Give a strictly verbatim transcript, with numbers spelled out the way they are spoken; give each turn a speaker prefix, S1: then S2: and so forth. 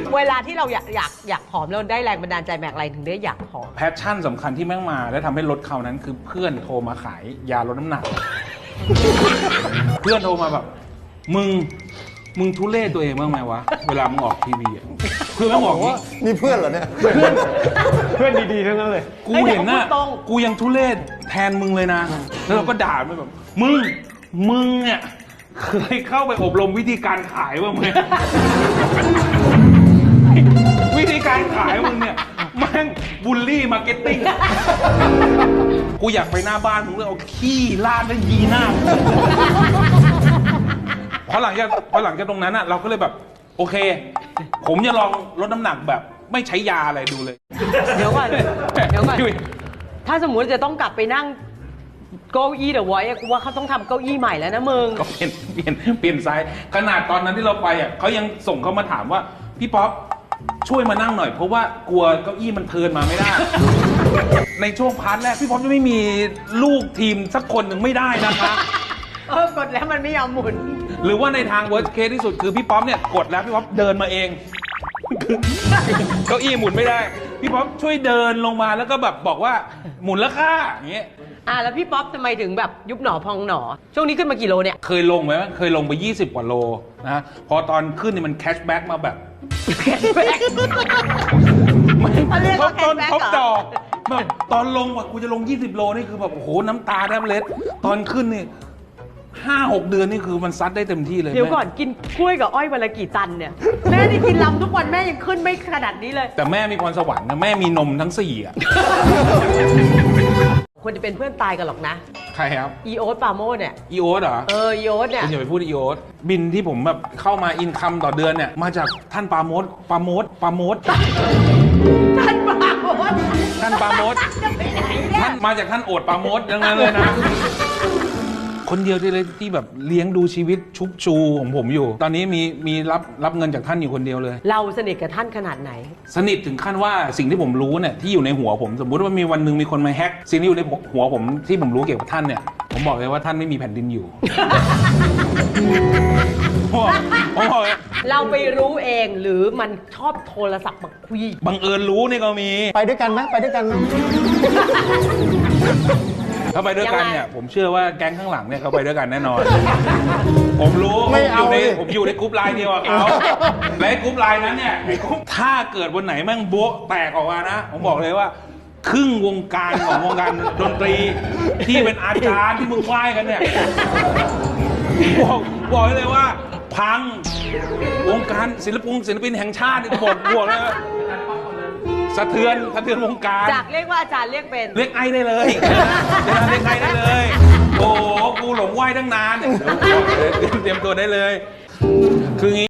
S1: เวลาที่เราอยากอยากอยากผอมเราได้แรงบันดาลใจแบบอะไรถึงได้อยากผอม
S2: แพชชั่นสำคัญที่แม่งมาและทำให้ลดเขานั้นคือเพื่อนโทรมาขายยาลดน้ำหนัก เพื่อนโทรมาแบบมึงมึงทุเรศตัวเองบ้างไหมวะเวลามึงออกทีวีอ่ะคือแม่งบอกว่า
S3: มีเพื่อนเหรอเนี่ย
S4: เพื่อนเพื่อนดีๆทั้งนั้นเลย
S2: กูเห็นน่ะกูยังทุเรศแทนมึงเลยนะ แล้วเราก็ด่ามันแบบมึงมึงเนี่ยเคยเข้าไปอบรมวิธีการขายบ้างไหม วิธีการขายมึงเนี่ยแม่งบูลลี่มาร์เก็ตติ้งกูอยากไปหน้าบ้านมึงเลยเอาขี้ลาดแล้วยีหน้าพอหลังจากพอหลังจากตรงนั้นอ่ะเราก็เลยแบบโอเค ผมจะลองลดน้ำหนักแบบไม่ใช้ยาอะไรดูเลย
S1: เดี๋ยวก่อนเดี๋ยวก่อนถ้าสมมุติจะต้องกลับไปนั่งเก้าอี้เดอะไวท์กูว่าเขาต้องทำเก้าอี้ใหม่แล้วนะมึง
S2: ก็เปลี่ยนเปลี่ยนเปลี่ยนไซส์ขนาดตอนนั้นที่เราไปอ่ะเขายังส่งเข้ามาถามว่าพี่ป๊อปช่วยมานั่งหน่อยเพราะว่ากลัวเก้าอี้มันเทิร์นมาไม่ได้ ในช่วงพาร์ทแรกพี่ป๊อปจะไม่มีลูกทีมสักคนหนึ่งไม่ได้นะคะ
S1: เออกดแล้วมันไม่ยอมหมุน
S2: หรือว่าในทาง worst case ที่สุดคือพี่ป๊อปเนี่ยกดแล้วพี่ป๊อปเดินมาเองเก้าอี้หมุนไม่ได้พี่ป๊อปช่วยเดินลงมาแล้วก็แบบบอกว่าหมุนแล้วค่ะอย่างเงี้ย
S1: อ่ะแล้วพี่ป๊อปทำไมถึงแบบยุบหนอพองหนอช่วงนี้ขึ้นมากี่โลเนี่ย
S2: เคยลงไหมเคยลงไปยี่สิบกว่าโลนะพอตอนขึ้นนี่มันแคชแบ็กมาแบบ
S1: แคชแบ็กเขาเรียกว่าแคชแบ็กเหรอ
S2: ดอกแบบตอนลงว่ะกูจะลงยี่สิบโลนี่คือแบบโอ้โหน้ำตาแทบเล็ดตอนขึ้นนี่ห้าหกเดือนนี่คือมันซัดได้เต็มที่เลย
S1: เดี๋ยวก่อนกินกล้วยกับอ้อยวันละกี่ตันเนี่ยแม่นี่กินลำทุกวันแม่ยังขึ้นไม่ขนาดนี้เลย
S2: แต่แม่มีพรสวรรค์นะแม่มีนมทั้งสี่อ่ะ
S1: ควรจะเป็นเพื่อนตายกันหรอกนะ
S2: ใครครับ
S1: อีโอ๊ตปาโมดเนี่ย
S2: อีโอ๊ตเหรอ
S1: เอออีโอ๊ตเนี่ย
S2: คุณอย่าไปพูดอีโอ๊ตบินที่ผมแบบเข้ามาอินคัมต่อเดือนเนี่ยมาจากท่านปาโมดปาโมดปาโมด
S1: ท่านปาโมด
S2: ท่านปาโมดท่านมาจากท่านโอดปาโมดอย่างนั้นเลยนะคนเดียวที่เลยที่แบบเลี้ยงดูชีวิตชุบชูของผมอยู่ตอนนี้มีมีรับรับเงินจากท่านอยู่คนเดียวเลย
S1: เราสนิทกับท่านขนาดไหน
S2: สนิทถึงขั้นว่าสิ่งที่ผมรู้เนี่ยที่อยู่ในหัวผมสมมุติว่ามีวันหนึ่งมีคนมาแฮกสิ่งที่อยู่ในหัวผมที่ผมรู้เกี่ยวกับท่านเนี่ยผมบอกเลยว่าท่านไม่มีแผ่นดินอยู่ ผมบอกเลย
S1: เราไปรู้เองหรือมันชอบโทรศัพท์มาคุย
S2: บังเอิญรู้นี่ก็มี
S3: ไปด้วยกันไหมไปด้วยกันไหม
S2: ถ้าไปด้วยกันเนี่ยผมเชื่อว่าแก๊งข้างหลังเนี่ยเขาไปด้วยกันแน่นอน ผมรู้ผมอยู่ในผมอยู่ในกรุ๊ปไลน์เดียวกับเขาและกรุ๊ปไลน์นั้นเนี่ยถ้าเกิดวันไหนแม่งโบ๊ะแตกออกมานะผมบอกเลยว่าครึ่งวงการของวงการดนตรีที่เป็นอาจารย์ที่มึงไหว้กันเนี่ยบอกบอกเลยว่าพังวงการศิลปินศิลปินแห่งชาติบอกบอกเลยสะเทือนสะเทือนวงการ
S1: จากเรียกว่าอาจารย์เรียกเป็น
S2: เรียกไอ้ได้เลยเรียกไอ้ได้เลยโอ้กูหลงไหว้ตั้งนานเตรียมตัวได้เลยคืองี้